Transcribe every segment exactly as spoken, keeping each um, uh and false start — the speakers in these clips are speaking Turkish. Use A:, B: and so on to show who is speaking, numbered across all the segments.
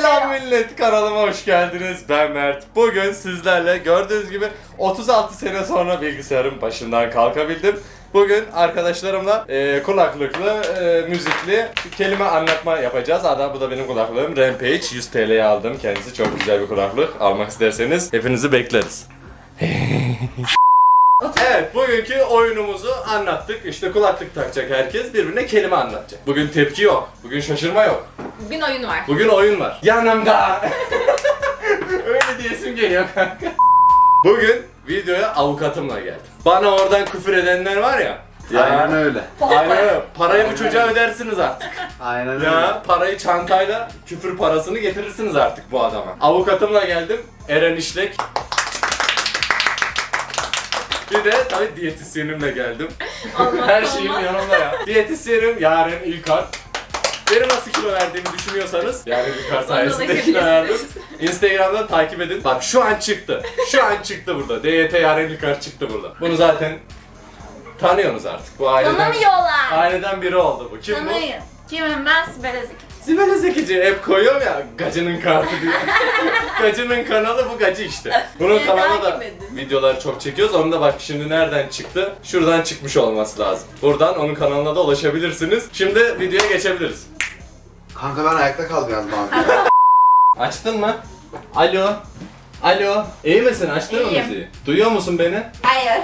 A: Selam millet, kanalıma hoş geldiniz. Ben Mert. Bugün sizlerle gördüğünüz gibi otuz altı sene sonra bilgisayarın başından kalkabildim. Bugün arkadaşlarımla e, kulaklıklı, e, müzikli kelime anlatma yapacağız. Hatta bu da benim kulaklığım Rampage. yüz T L'ye aldım. Kendisi çok güzel bir kulaklık. Almak isterseniz hepinizi bekleriz. Evet, bugünkü oyunumuzu anlattık. İşte kulaklık takacak herkes, birbirine kelime anlatacak. Bugün tepki yok, bugün şaşırma yok.
B: Bugün oyun var.
A: Bugün oyun var. Yanımda. Öyle diyesim geliyor kanka. Bugün videoya avukatımla geldim. Bana oradan küfür edenler var ya.
C: Aynen öyle.
A: Aynen öyle. Parayı bu çocuğa ödersiniz artık.
C: Aynen öyle.
A: Ya parayı çantayla küfür parasını getirirsiniz artık bu adama. Avukatımla geldim. Eren İşlek. Bir de tabii diyetisyenimle geldim.
B: Allah
A: Her şeyim
B: Allah.
A: yanımda ya. Diyetisyenim Yaren İlkar. Benim nasıl kilo verdiğimi düşünüyorsanız Yaren İlkar sayesinde kilo verdim. Instagram'dan takip edin. Bak şu an çıktı. Şu an çıktı burada. D Y T Yaren İlkar çıktı burada. Bunu zaten tanıyorsunuz artık. Bu aileden,
B: Tanımıyorlar.
A: aileden biri oldu bu. Kim bu?
B: Tanıyın. Kimim ben? Sibel Ezik.
A: Sibel Zekici hep koyuyorum ya Gacı'nın kartı diye. Gacı'nın kanalı bu Gacı işte. Bunun
B: Beni
A: kanalına da
B: takip edin.
A: videolar çok çekiyoruz. Onu da bak şimdi nereden çıktı? Şuradan çıkmış olması lazım. Buradan onun kanalına da ulaşabilirsiniz. Şimdi videoya geçebiliriz.
C: Kanka ben ayakta kaldım yalnız abi.
A: Açtın mı? Alo. Alo. İyi misin? Açtın mı
B: İyiyim.
A: müziği? Duyuyor musun beni?
B: Hayır.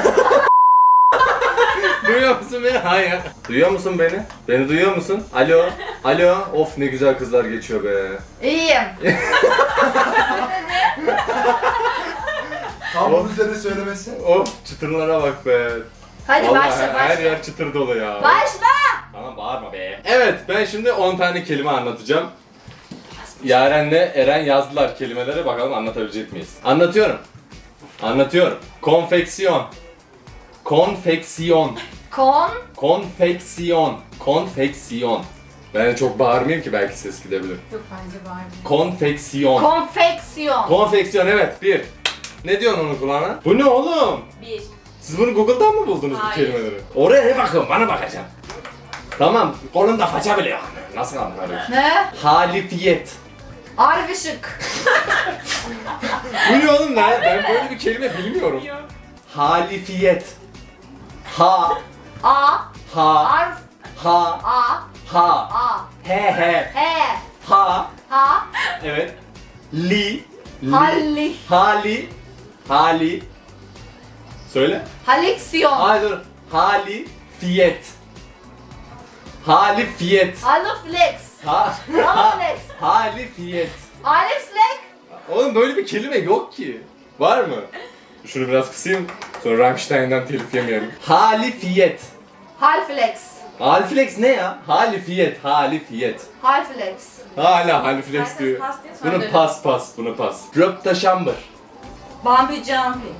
A: Duyuyor musun beni? Hayır. Duyuyor musun beni? Beni duyuyor musun? Alo. Alo. Of ne güzel kızlar geçiyor be.
B: İyiyim.
C: Tam bunun üzerine söylemesi.
A: Of çıtırlara bak be.
B: Hadi
A: Vallahi
B: başla
A: her
B: başla.
A: yer çıtır dolu ya.
B: Başla.
A: Tamam bağırma be. Evet ben şimdi on tane kelime anlatacağım. Yaren'le Eren yazdılar kelimeleri, bakalım anlatabilecek miyiz? Anlatıyorum. Anlatıyorum. Konfeksiyon. Konfeksiyon.
B: Kon.
A: Konfeksiyon. Konfeksiyon. Ben çok bağırmayayım ki belki ses gidebilir.
B: Yok bence var.
A: Konfeksiyon.
B: Konfeksiyon.
A: Konfeksiyon evet bir. Ne diyorsun onun kulağına? Bu ne oğlum?
B: Bir.
A: Siz bunu Google'dan mı buldunuz bu
B: Hayır.
A: kelimeleri? Oraya ne bakın, bana bakacağım. Tamam, kolunda faça biliyor. Nasıl anlarım?
B: Ne?
A: Halifiyet.
B: Arif Işık.
A: Bu ne oğlum lan? Ben böyle bir kelime bilmiyorum. Halifiyet. Ha,
B: A.
A: ha,
B: Arif.
A: ha,
B: A.
A: ha,
B: A.
A: he he,
B: He.
A: ha,
B: Ha.
A: evet. Li, li,
B: Halli.
A: hali, hali. Söyle.
B: Haliksiyon.
A: Hayır dur. Halifiyet. Halifiyet.
B: Aliflex.
A: Ha,
B: Aliflex.
A: halifiyet.
B: Aliflex.
A: Oğlum böyle bir kelime yok ki. Var mı? Şunu biraz kısayım. Sonra Rammstein'den telif yemeyelim. Halifiyet.
B: Halflex.
A: Haliflex ne ya? Halifiyet, halifiyet.
B: Halflex.
A: Hala haliflex
B: Herkes
A: diyor.
B: pas diye
A: Bunu
B: söylüyor.
A: pas pas, bunu pas. Röptaşambır.
B: Bambi jumping.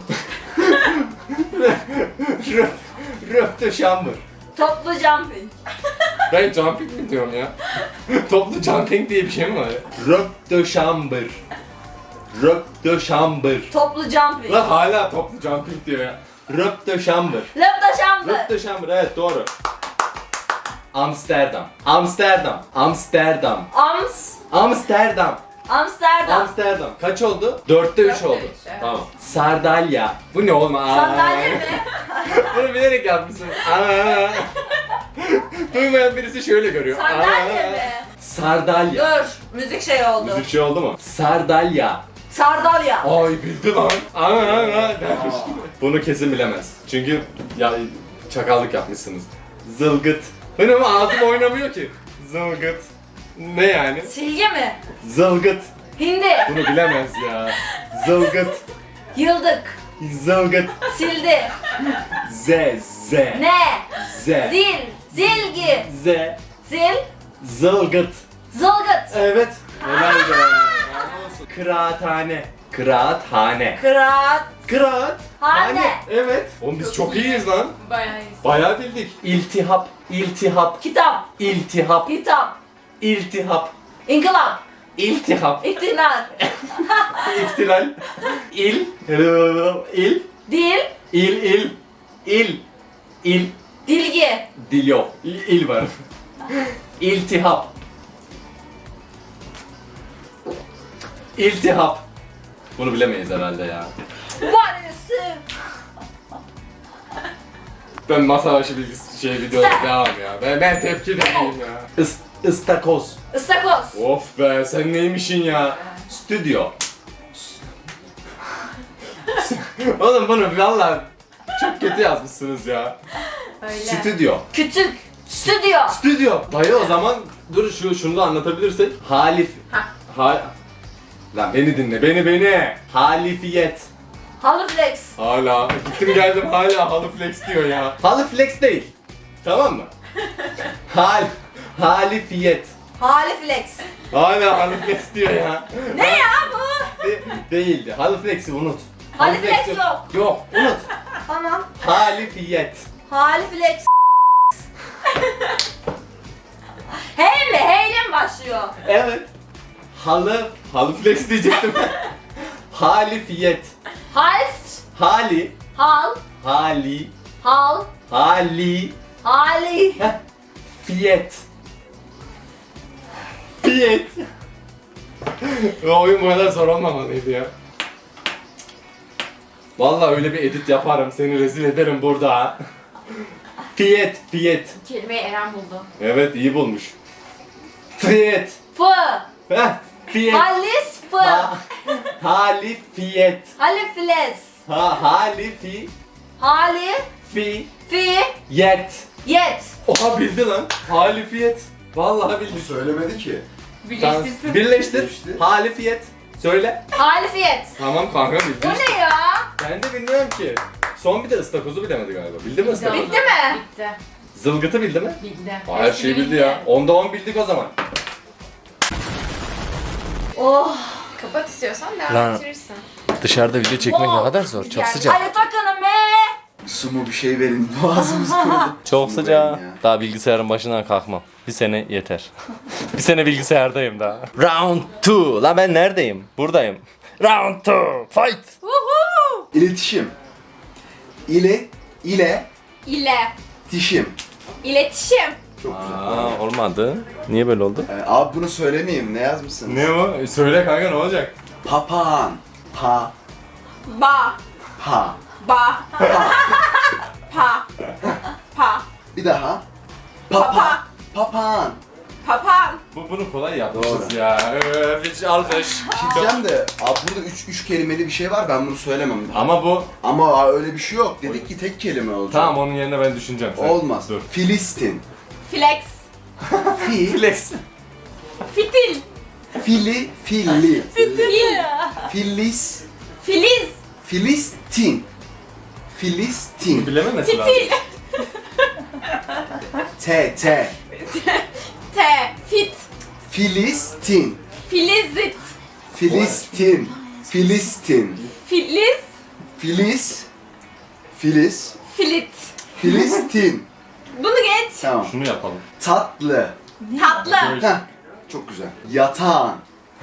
A: Röp, röptaşambır.
B: Toplu jumping.
A: Ben jumping mi diyorum ya? Toplu jumping diye bir şey mi var ya? Röptaşambır. Röptaşambır.
B: Toplu jumping.
A: Lan hala toplu jumping diyor ya. Röptaşambır.
B: Lambda jumping.
A: Röptaşambır evet doğru. Amsterdam. Amsterdam. Amsterdam.
B: Ams.
A: Amsterdam.
B: Amsterdam.
A: Amsterdam. Kaç oldu? Dörtte üç
B: Dörtte
A: oldu.
B: üç, evet.
A: Tamam. Sardalya. Bu ne oğlum? Aa.
B: Sandalye mi?
A: Bunu bilerek yapmışsın. Aa. Duymayan birisi şöyle görüyor.
B: Sandalye
A: Aa.
B: mi?
A: Sardalya.
B: Dur. Müzik şey oldu.
A: Müzik şey oldu mu? Sardalya.
B: Sardalya.
A: Ay bildi lan. Aa, aa, dermiş. Bunu kesin bilemez. Çünkü ya çakallık yapmışsınız. Zılgıt. Benim ağzım oynamıyor ki. Zılgıt. Ne yani?
B: Silgi mi?
A: Zılgıt.
B: Hindi.
A: Bunu bilemez ya. Zılgıt.
B: Yıldık.
A: Zılgıt.
B: Sildi.
A: Z. Z.
B: Ne?
A: Z.
B: Zil. Zilgi.
A: Z.
B: Zil.
A: Zılgıt.
B: Zılgıt.
A: Evet. Helal be. Kıraathane. Kıraathane.
B: Kıraat.
A: Kıraat.
B: Hane.
A: Evet. Oğlum biz çok iyiyiz lan.
B: Bayağı iyisin.
A: Bayağı bildik. İltihap. İltihap.
B: Kitap.
A: İltihap.
B: Kitap.
A: İltihap.
B: İnkılap.
A: İltihap.
B: İktinar.
A: İhtilal. İl. İl.
B: Dil.
A: İl. İl. İl. İl.
B: Dilgi.
A: Dil yok. İl, il var. İltihap. İltihap. Bunu bilemeyiz herhalde ya.
B: Varısı.
A: Ben masa başı bilgisi şey videoda devam ya. Ben, ben tepki vereyim ya. Is, istakoz.
B: Istakoz.
A: Of be sen neymişin ya? Stüdyo. Oğlum bunu valla çok kötü yazmışsınız ya.
B: Öyle.
A: Stüdyo.
B: Küçük. Stüdyo.
A: Stüdyo. Dayı o zaman dur şu şunu da anlatabilirsek. Halif.
B: Ha.
A: Ha. Lan beni dinle beni beni. Halifiyet.
B: Haliflex.
A: Hala gittim geldim hala haliflex diyor ya. Haliflex değil. Tamam mı? Hal. Halifiyet.
B: Haliflex.
A: Hala haliflex diyor ya.
B: Ne ya bu?
A: De- değildi. Haliflex'i unut.
B: Haliflex
A: Haliflex
B: yok.
A: Yok unut.
B: Tamam.
A: Halifiyet.
B: Haliflex. Hey mi? Heyle mi başlıyor?
A: Evet. Halı. Haliflex diyecektim. Halifiyet.
B: Half.
A: Hali.
B: Hal.
A: Hali.
B: Hal.
A: Hali.
B: Hali.
A: Heh. Fiyet. Fiyet. O oyun bu kadar zor olmamalıydı ya. Vallahi öyle bir edit yaparım, seni rezil ederim burada ha. Fiyet, fiyet.
B: Kelimeyi Eren buldu.
A: Evet, iyi bulmuş. Fiyet.
B: Fı.
A: Heh, fiyet.
B: Halis fı.
A: Ha, halifiyet.
B: Haliflex.
A: Ha, halifi,
B: Hali.
A: fi,
B: Fi.
A: yet.
B: Yet.
A: Oha bildi lan. Halifiyet. Vallahi bildi.
C: Söylemedi ki.
A: Tamam,
B: Birleştirsin.
A: birleştir.
C: Birleştir.
A: Halifiyet. Söyle.
B: Halifiyet.
A: Tamam kanka bildi.
B: Bu ne ya?
A: Ben de bilmiyorum ki. Son bir de ıstakozu bilemedi galiba. Bildi mi ıstakozu?
B: Bitti mi?
D: Bitti.
A: Zılgıtı bildi mi?
D: Bildi.
A: Aa, her şeyi bildi ya. Onda on bildik o zaman.
B: Oh.
D: Kapat istiyorsan devam
A: Lan.
D: ettirirsin.
A: Dışarıda video çekmek ne kadar zor. Çok sıcak.
B: Hadi takılın be.
C: Su mu bir şey verin. Boğazımız kurudu.
A: Çok
C: Su mu
A: sıcak.
C: verin ya?
A: Daha bilgisayarın başından kalkmam. Bir sene yeter. Bir sene bilgisayardayım daha. Round two. La ben neredeyim? Buradayım. Round two. Fight.
B: Uhu.
C: İletişim. İle, ile,
B: İle.
C: tişim.
B: İletişim.
C: Çok güzel.
A: Aa, olmadı. Niye böyle oldu?
C: Ee, abi bunu söylemeyeyim. Ne yazmışsın?
A: Ne o? Söyle kanka ne olacak?
C: Papağan. Pa,
B: Ba.
C: pa.
B: Ba. Pa. Pa.
C: Bir daha.
B: Papa.
C: Papa. Papağan.
B: Papağan.
A: Bu bunu kolay yapmışız
C: Doğru.
A: ya. Ee, bir alkış.
C: Diyeceğim de abi burada üç, üç kelimeli bir şey var, ben bunu söylemem.
A: Ama bu
C: Ama öyle bir şey yok. Dedik ki tek kelime olacak.
A: tamam onun yerine ben düşüneceğim. Sen.
C: Olmaz.
A: Dur.
C: Filistin.
B: Flex.
C: Fi,
A: Flex.
B: Fitil.
C: fili, filli.
B: Fil.
C: Filis,
B: Filiz.
C: Filistin. Filistin.
A: Bilememesi lazım.
B: Fitil.
C: T, T.
B: T. Fit.
C: Filistin.
B: Filizit.
C: Filistin. Filistin.
B: Filiz.
C: Filiz. Filiz.
B: Filit.
C: Filistin.
B: Bunu geç.
C: Tamam.
A: Şunu yapalım.
C: Tatlı.
B: Tatlı.
C: Heh. Çok güzel. Yatağın.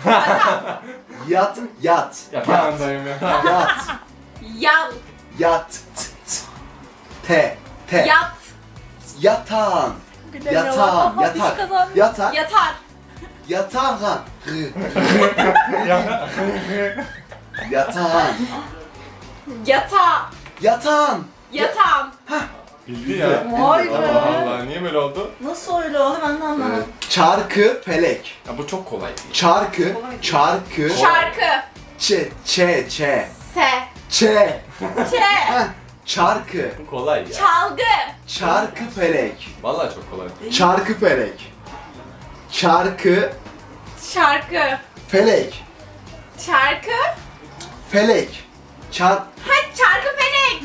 C: Yat, yat.
A: Yapağındayım ya.
C: Yat.
B: Yan.
C: Yat. T, t. T, T.
B: Yat.
C: Yatağın. Yatağın. Yatak. Yatak.
B: Yatar.
C: Yatağın. Yatağın.
B: Yatağı.
C: Yatağın.
B: Yatağım.
A: Bildi ya.
B: Vay be.
A: Allah Allah niye böyle oldu?
B: Nasıl öyle oldu ben de anlamadım.
C: Çarkı felek.
A: Ya bu çok kolay.
C: Çarkı. Çarkı.
B: Şarkı.
C: Ç, ç, ç.
B: Se.
C: Ç.
B: Çe.
C: Heh. Çarkı.
A: Bu kolay ya.
B: Çalgı.
C: Çarkı felek.
A: Vallahi çok kolay.
C: Çarkı felek. Çarkı
B: Şarkı.
C: felek.
B: Şarkı.
C: Felek. Çar
B: Ha çarkı felek.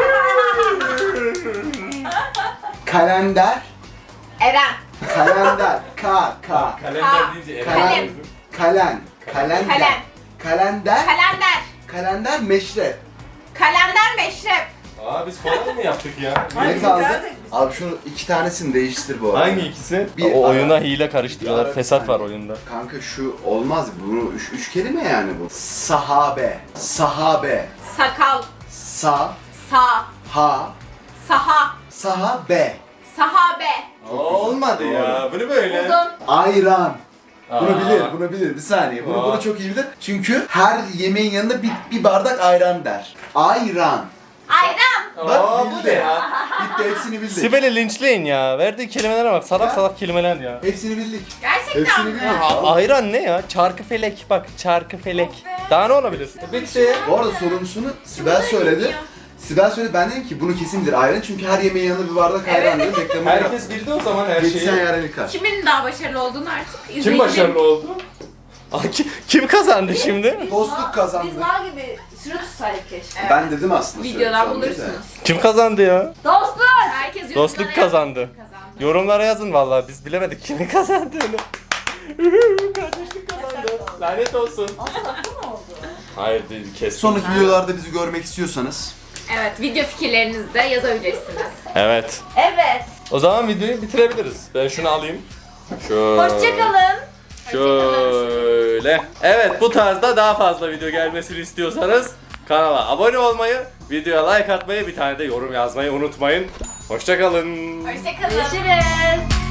C: kalender.
B: Eren.
C: Kalender. Ka ka.
A: Kalender deyince Eren
C: Kalem.
A: diyorsun.
C: Kalen. Kalender.
B: Kalem.
C: Kalender.
B: Kalender.
C: Kalender meşrep.
B: Kalender meşrep.
A: Aa biz kolay mı yaptık ya?
C: Ne kaldı? Abi şunu iki tanesini değiştir bu arada.
A: Hangi ikisi?
C: Bir
A: o
C: ara-
A: oyuna hile karıştırıyorlar.
C: Bir ara-
A: Fesat var oyunda.
C: Kanka şu olmaz. Bunu üç, üç kelime yani bu. Sahabe. Sahabe.
B: Sakal.
C: Sa.
B: Sa.
C: Ha.
B: Saha.
C: Sahabe.
B: Sahabe.
A: Olmadı ya. Bu ne böyle?
B: Buldum.
C: Ayran. Bunu
A: Aa.
C: bilir, bunu bilir. Bir saniye. Bunu,
A: Aa.
C: bunu çok iyi bilir. Çünkü her yemeğin yanında bir, bir bardak ayran der. Ayran.
B: Ayran.
C: Bak
A: Aa, bu
C: bildi.
A: ne ya?
C: Bitti, hepsini bildik.
A: Sibel'i linçleyin ya. Verdiği kelimelere bak. Salak
C: Ha?
A: salak kelimeler ya.
C: Hepsini bildik.
B: Gerçekten
C: Hepsini
B: mi?
C: bildik.
A: A- ayran ne ya? Çarkıfelek bak. Çarkıfelek. Daha ne olabilir? Bitti.
C: Bu arada sorunsunu Sibel söyledi. Sibel söyledi, ben dedim ki bunu kesin bilir ayran çünkü her yemeğin yanında bir bardak ayran dedim. Reklamını yaptım.
A: Herkes bildi o zaman her şeyi.
C: Geçsen yarın yıkar.
B: Kimin daha başarılı olduğunu artık izleyelim.
A: Kim başarılı oldu? Aa, ki- Kim kazandı şimdi?
C: Dostluk kazandı.
D: Biz var gibi süre tutsaydık keşke.
B: Evet.
C: Ben dedim aslında.
B: Videodan
C: söylesem de.
B: bulursunuz.
A: Kim kazandı ya?
D: Dostluk!
B: Herkes yorumlara
A: Dostluk
B: yazsın.
A: kazandı.
B: Kazandı.
A: Yorumlara yazın vallahi biz bilemedik kimin kazandığını. Kardeşlik kazandı. Lanet olsun.
D: Ne oldu?
A: Hayır değil kesin.
C: Sonraki videolarda bizi görmek istiyorsanız
B: Evet, video fikirlerinizi de yazabilirsiniz.
A: Evet.
D: Evet.
A: O zaman videoyu bitirebiliriz. Ben şunu alayım. Şöyle.
D: Hoşçakalın.
A: Şöyle. Evet bu tarzda daha fazla video gelmesini istiyorsanız kanala abone olmayı, videoya like atmayı, bir tane de yorum yazmayı unutmayın. Hoşçakalın.
B: Hoşçakalın.
D: Görüşürüz.